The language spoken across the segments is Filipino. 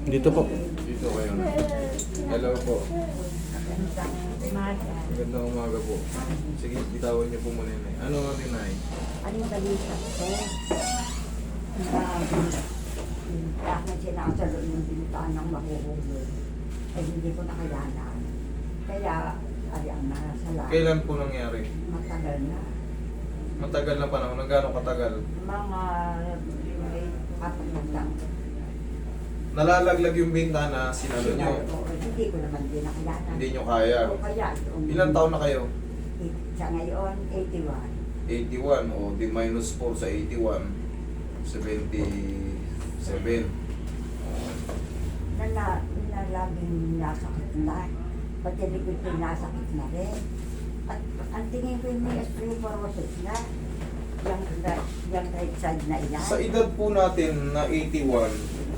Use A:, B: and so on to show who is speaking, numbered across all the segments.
A: Dito po.
B: Dito kayo na. Hello po.
C: Magandang umaga.
B: Magandang umaga po. Sige, bitawan niyo po muna yun. Ano natin na
C: Anong balita ko? Bakit sinasalo yung bintaan ng mahuhulog? Ay hindi ko nakayanan. Kaya, ayan na, salamat.
B: Kailan po nangyari?
C: Matagal na.
B: Matagal na panahon. Gaano katagal?
C: Mga may 4 na lang.
B: Nalalaglag yung bintana, sinalo niyo.
C: Hindi ko naman din nakayanan.
B: Hindi niyo kaya.
C: O kaya,
B: Ilang taon na kayo?
C: Sa ngayon, 81.
B: 81 o di minus 4 sa 81. 77.
C: Laging nasakit na. Pati likod ko nasakit na rin. At ang tingin ko yung may osteoporosis na. Yung right side na iyan.
B: Sa edad po natin na 81,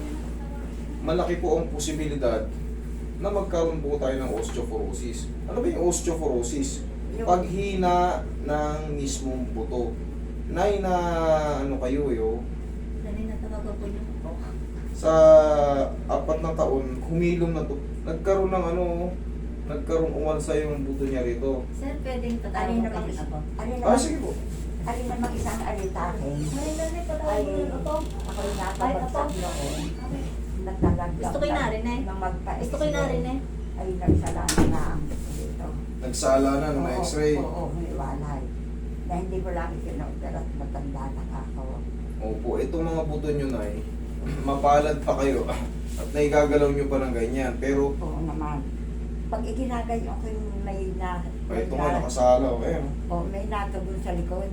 B: malaki po ang posibilidad na magkaroon po tayo ng osteoporosis. Ano ba yung osteoporosis? Paghina ng mismong buto. Nay na ano kayo yo,
D: Dali na talaga po yung po.
B: sa 4 na taon, humilom na to. Nagkaroon ng nagkaroon umalsa yung buto niya rito.
D: Sir, pwedeng
C: Alin
D: tatawag
C: naman
D: kami ako.
B: Sige po.
C: Alin naman isang alitahin.
D: May dali
C: Ay,
D: patawag mo ako.
C: ako yung napabagsak noon. Nagtalaglag.
D: Gusto ko yung narinig.
C: Nang magpa-x-ray.
D: Gusto ko yung narinig.
C: Ay, nagsalana na ang buto dito.
B: Nagsala na ng
C: Oo,
B: x-ray.
C: Oo, may walay. Na hindi ko lang ikinopera at matanda na ako.
B: Opo, itong mga buto nyo na mapalad pa kayo at naigagalaw nyo pa ng ganyan. Pero,
C: Oo naman. Pag iginagayon ko yung may na...
B: ito nga nakasala.
C: May natugon sa likod.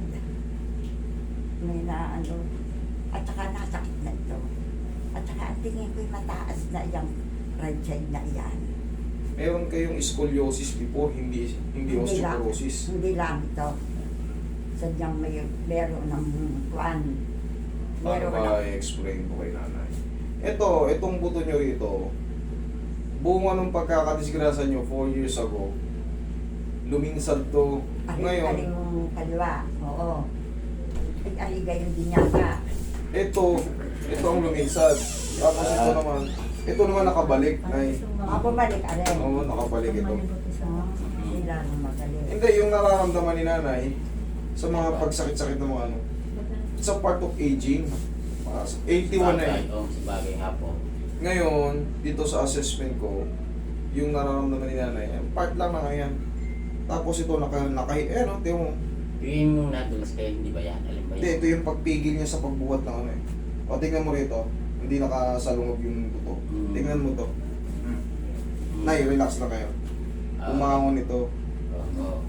C: May na ano. At saka nasakit na ito. At saka ang tingin ko yung mataas na yung right side na iyan.
B: Meron kayong scoliosis before, hindi osteoporosis.
C: Hindi lang ito. Sadyang meron ng kwan.
B: Paano ba i-explain po kay nanay? Itong buto nyo rito, bunga nung pagkakadisgrasya nyo 4 years ago, luminsad to. Ngayon,
C: Aling kaliwa. Oo. Aligayon din yata.
B: ito ang luminsad. Tapos ito naman nakabalik. Ay,
C: Bumalik alin.
B: oo, nakabalik ito.
C: Hindi lang magaling.
B: Hindi, yung nararamdaman ni nanay, sa mga pagsakit-sakit ng mga it's a part of aging. 81 na eh.
E: Oo, sa bagay hapon.
B: Ngayon, dito sa assessment ko, yung nararamdaman ni nanay, part lang na yan. Tapos ito, tiyo mo.
E: Yung nadulas kayo, hindi ba yan? Alam ba
B: Hindi,
E: yan?
B: ito yung pagpigil niya sa pagbuhat ng ano eh. O, tingnan mo rito, hindi nakasalungog yung buto. Tingnan mo to. Nay, relax lang kayo. Umangon ito.
E: Oo.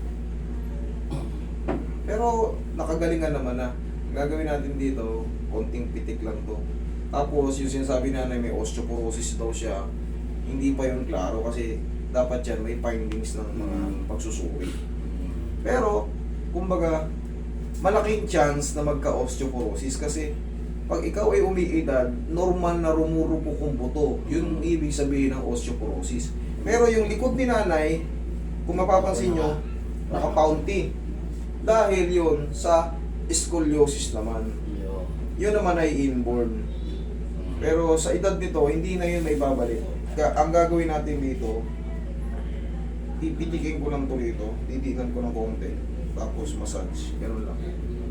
B: Pero, nakagalingan naman na. Gagawin natin dito, konting pitik lang to. Tapos, yung sinasabi na may osteoporosis daw siya, hindi pa yun klaro kasi dapat yan may findings ng mga pagsusuri. Pero, kumbaga, malaking chance na magka-osteoporosis kasi pag ikaw ay umiidad, normal na rumurupok ang buto. Yun ang ibig sabihin ng osteoporosis. Pero yung likod ni nanay, kung mapapansin nyo, nakapounty. Dahil yun sa scoliosis naman. Yun naman ay inborn. Pero sa edad nito, hindi na yun may babalik. Ang gagawin natin dito, pipitikin ko lang to dito, titikan ko ng konti, tapos massage, ganun lang.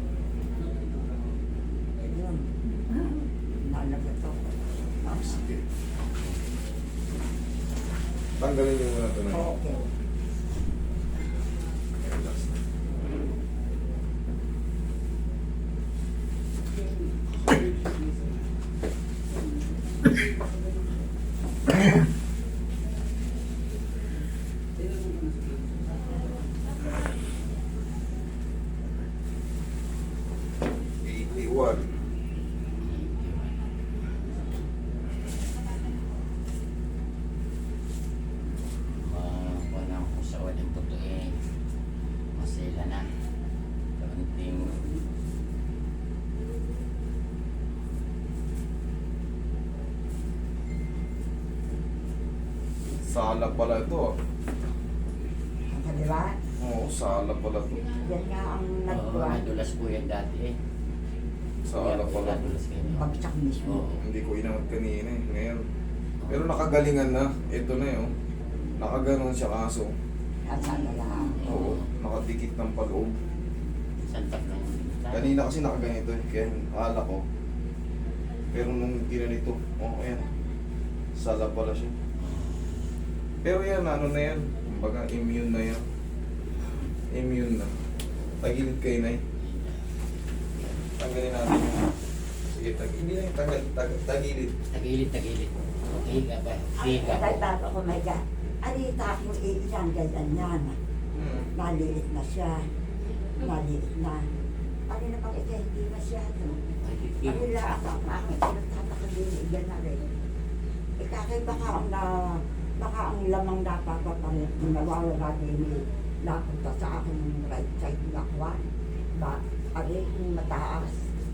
C: Ayun. Nalaga to.
B: Sige. Tanggalin nyo muna ito na.
C: Okay.
B: Relax na.
E: Walang kung sa walang totoo eh. Masila na. Kaunting
B: Sala pala ito.
C: Ang kaliwa,
B: Oo, sala pala ito.
C: yan nga ang nagkuhan.
E: nadulas po yan dati eh.
B: Sala pala.
E: Nadulas kayo.
C: Pagsak mismo.
E: Oo.
B: Hindi ko inangat kanina eh. Ngayon, Pero nakagalingan na. Ito na yun. Nakaganon siya kaso.
C: At sana lang.
B: Oo. Nakadikit ng paloob.
E: Santak na yun.
B: Kanina kasi nakaganito eh. Kaya akala ko. Pero nung ginanito, ayan. Sala pala siya. Pero yan, ano na yan. Kumbaga, immune na yan. Immune na. Tagilid kayo na eh. Tanggalin natin yung... Sige, hindi na yung tagilid.
E: Tagilid. Higa pa. Higa.
C: Ay, baba ko, my God. Alita akong iisang ganyan yan. Maliit na siya. Maliit na. Ano na bang ito, hindi masyado. Ano lang ako, ang aking pinagtatakaligan na rin. Ikakay baka ang lamang napapapalit, nawawala din napunta sa aking right side na kwan. Ari, yung mataas.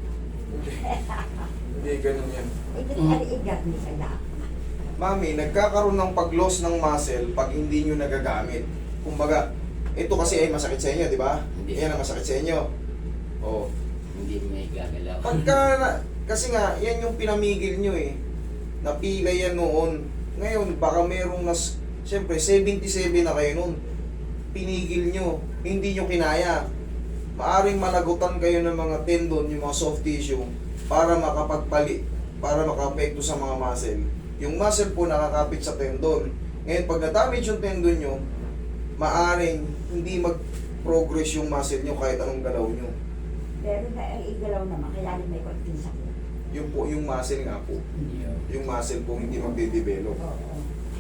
B: Hindi, ganun yan.
C: Igat ni saya.
B: Mami, nagkakaroon ng pag-loss ng muscle pag hindi nyo nagagamit. Kumbaga, ito kasi ay masakit sa inyo, di ba?
E: Hindi.
B: Yan ang masakit sa inyo. Oh.
E: Hindi may gagalaw.
B: Kasi nga, yan yung pinamigil nyo eh. Napila yan noon. Ngayon, baka merong siyempre, 77 na kayo noon. Pinigil nyo. Hindi nyo kinaya. Maaring malagutan kayo ng mga tendon, yung mga soft tissue, para para maka-apekto sa mga muscle. Yung muscle po nakakapit sa tendon. Ngayon, pag na-damage yung tendon nyo, maaring hindi mag-progress yung muscle nyo kahit anong galaw nyo.
C: Pero na ang igalaw naman, kaya may konting sakit.
B: Yung po, yung muscle nga po. Yung muscle po hindi magde-develop.
C: Oo.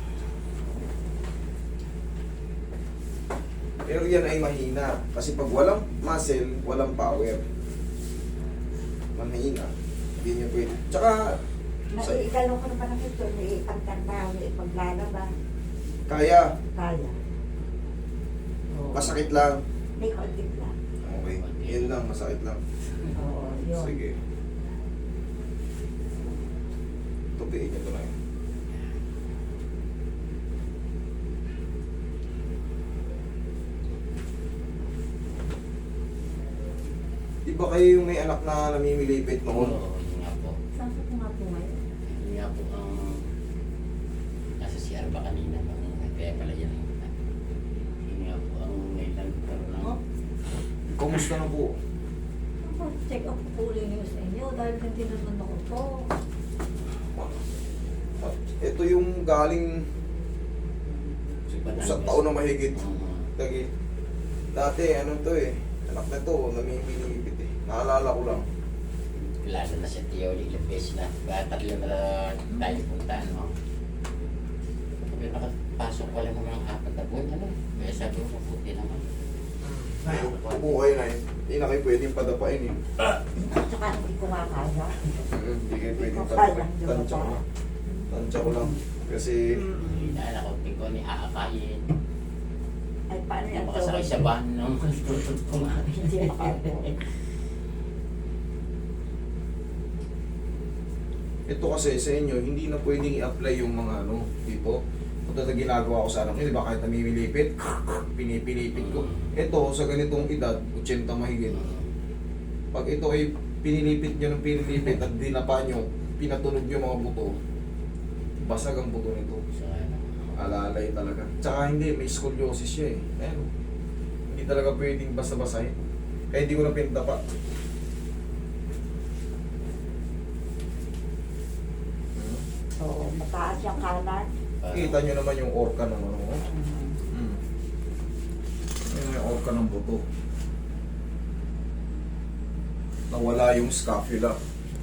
B: Pero yan ay mahina. Kasi pag walang muscle, walang power. Mahina. Hindi nyo pwede. Tsaka,
C: Naiigalaw ko naman ang ito, may pagtanda, may paglalaba.
B: kaya.
C: Kaya. Oo.
B: Masakit lang.
C: May konting lang.
B: Okay. Yan lang, masakit lang.
C: Oo, yun.
B: Sige. Tupiin nyo ito na yun. Di ba kayo yung may anak na namimilipit noon?
E: Oo, yun nga po.
D: Saan ko nga po ngayon?
E: Yun nga po ang nasa CR ba kanina. Kaya pala yan. Yun nga po ang ngailan karoon ng...
D: Oh,
B: Kumusta na po?
D: check up po ulit niyo sa inyo dahil hindi naman ako po.
B: Ito yung galing sa taon na mahigit. Lagi. Dati, ano to eh. Anak na to, namimilipit eh. Naalala ko lang.
E: Lalo na siya Tioli, ilang beses na. Kaya tatlo na tayo puntaan mo. Sabi nakapasok pa lang naman ang 4 na buwan. Ano? Kaya sabi ko, mabuti naman.
B: Ay, upo kayo na eh. Hindi na kayo pwedeng padapain eh.
C: At saka hindi ko makaya.
B: Hindi kayo pwedeng
C: Kaya,
B: padapain. Tansya ko lang. Tansya ko lang. Kasi,
E: Hindi na alam ko, hindi ko ni aakayin.
C: Ay, paano yan?
E: Napakasakay sa van nung tutod ko nga.
C: Hindi makaya.
B: ito kasi sa inyo, hindi na pwedeng i-apply yung mga ano, dito. Ito na ginagawa ko sa anak nyo, di ba? Kahit namimilipit, pinipilipit ko. Ito, sa ganitong edad, 80 mahigit. Pag ito ay pinilipit nyo ng pinilipit at dinapa nyo, pinatunog yung mga buto, basag ang buto nito.
E: So, ano,
B: Alalay talaga. Tsaka hindi, may scoliosis siya eh. Ayan. Hindi talaga pwedeng basta-basahin. Kaya hindi ko na pinatapa.
C: Oo, mataas yung kanan.
B: Kita nyo naman yung orca ng ano. Ayan yung orca ng buto. Nawala yung scapula.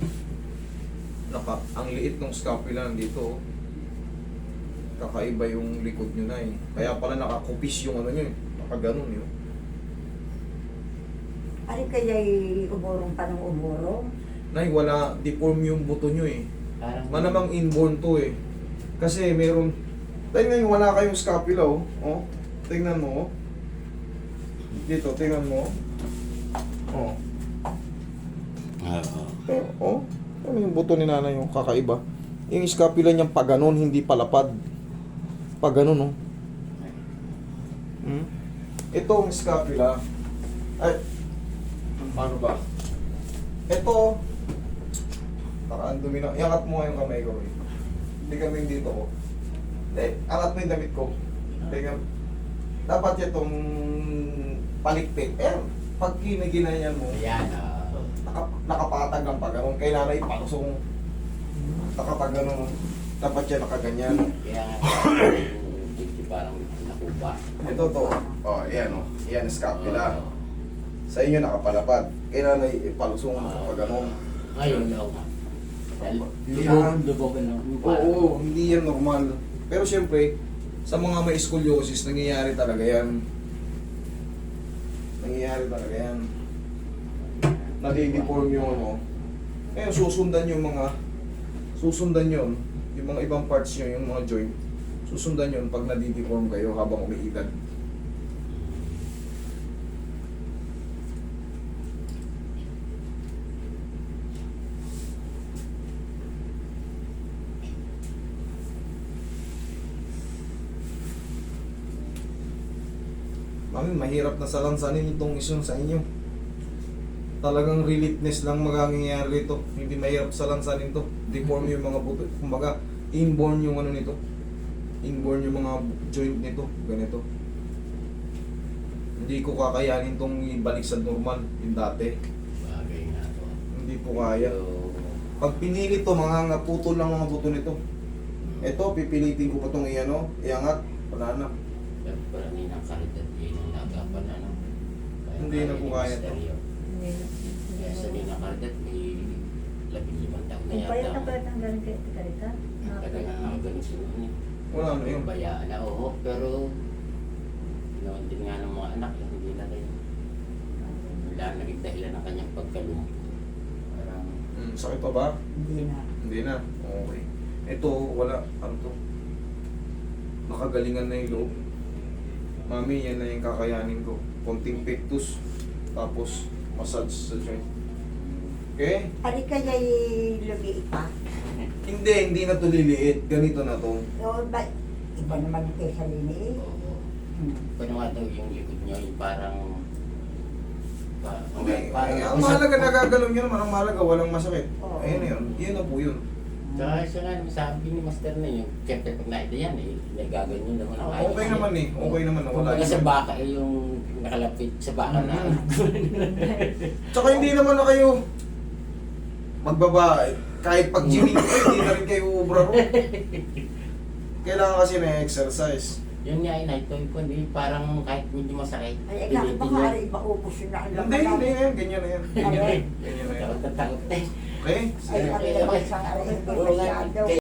B: Ang liit ng scapula nandito. Kakaiba yung likod nyo na eh. Kaya pala nakakupis yung ano nyo eh. Nakaganon yun.
C: Ano kaya umurong pa ng umurong?
B: Nay, wala, deform yung buto nyo eh.
E: parang
B: Manamang inborn to eh. Kasi meron, tingnan nyo, wala kayong scapula oh. Oh, tingnan mo oh. Dito, tingnan mo oh.
E: Oo.
B: Oh, ano yung buto ni nanay yung kakaiba? Yung scapula niyang paganon, hindi palapad. Paganon oh. Ito ang scapula. Ay, paano ba? Ito, ang dumi na. Iangat mo nga yung kamay ko eh. Hindi kami dito ko. Angat mo yung damit ko. Teka. Dapat itong palikpik. Pag kinaginanyan mo,
E: Ayan,
B: nakapatag ang pag-anong. Kailangan ipalusong nakapag ganun. Dapat yan nakaganyan.
E: kaya nga, hindi parang nakuha.
B: Ito to. Oh, ayan oh. Ayan, scapula. Sa inyo nakapalapad. Kailangan ipalusong kapag ganun.
E: Ngayon, oo nga.
B: Yan.
E: Lubogan lang.
B: Oo, hindi yan normal. Pero siyempre, sa mga may scoliosis, nangyayari talaga yan. Nangyayari talaga yan. Nadideform yung ano. Ngayon, susundan yun, yung mga ibang parts nyo, yung mga joint, susundan yun pag nadideform kayo habang umiidad. Mami, mahirap na salansanin itong isang sa inyo. Talagang relitness lang magagayari ito. Hindi mahirap salansanin to. Deform yung mga buto. Kumbaga, inborn yung ano nito. Inborn yung mga joint nito. Ganito. Hindi ko kakayanin tong ibalik sa normal. Yung dati.
E: Bagay nga to.
B: Hindi po kaya.
E: So,
B: Pag pinili to, mga putol lang mga buto nito. Ito, pipilitin ko pa itong iano. Iangat. Wala na.
E: parang ng karidad yun ang nagapan, ano.
B: Hindi na po kaya to.
D: Hindi na.
E: Kaya sa Nina Cardet, may 15 taon na
D: Kung payat na
E: yata.
D: payat ang galing kay Karita.
E: Talaga nga ganito yun eh.
B: Wala na yun.
E: Bayaan na, oo. Pero, ginawan din nga ng mga anak, hindi na rin. Wala naging dahilan ng kanyang pagkalumpo. Parang,
B: Sakit pa ba?
C: Hindi na.
B: Hindi na. Okay. Ito, wala. Ano to? Nakagalingan na yung loob. Mami, yan na yung kakayanin ko. Konting pectus. Tapos, massage sa joint. Okay?
C: Ari kaya lumiit pa?
B: Hindi na to liliit. Ganito na to.
C: O ba, iba naman yung kaysa liniit.
E: oo.
C: Hmm.
E: Paano nga daw yung likod nyo, yung parang,
B: Okay.
E: parang,
B: Ang mahalaga nagagalaw nyo naman. Ang mahalaga, walang masakit.
C: Oo.
B: Ayun na yun. Yun na po yun.
E: Tsaka siya nga, sabi ni Master na yun, siyempre pag nakita yan eh, nagaganyan naman ang ayos.
B: Okay naman eh. Okay naman. Wala
E: Kumbaga sa
B: yun.
E: baka eh, yung nakalapit sa baka na.
B: Tsaka hindi naman na kayo magbabae. Kahit pag gymming kayo, hindi na rin kayo ubra ro. Kailangan kasi na exercise.
E: Yun nga, inahitoy ko, hindi parang kahit medyo masakit.
C: Ay, ikaw, baka ari, maubos yun na ang
B: Hindi, hindi yan. Ganyan na yan.
C: Aray.
B: Ganyan na yan.
E: Takot na takot eh.
B: Okay?
C: Ay, ari naman sa ari, hindi
E: Oo nga,
C: masyado.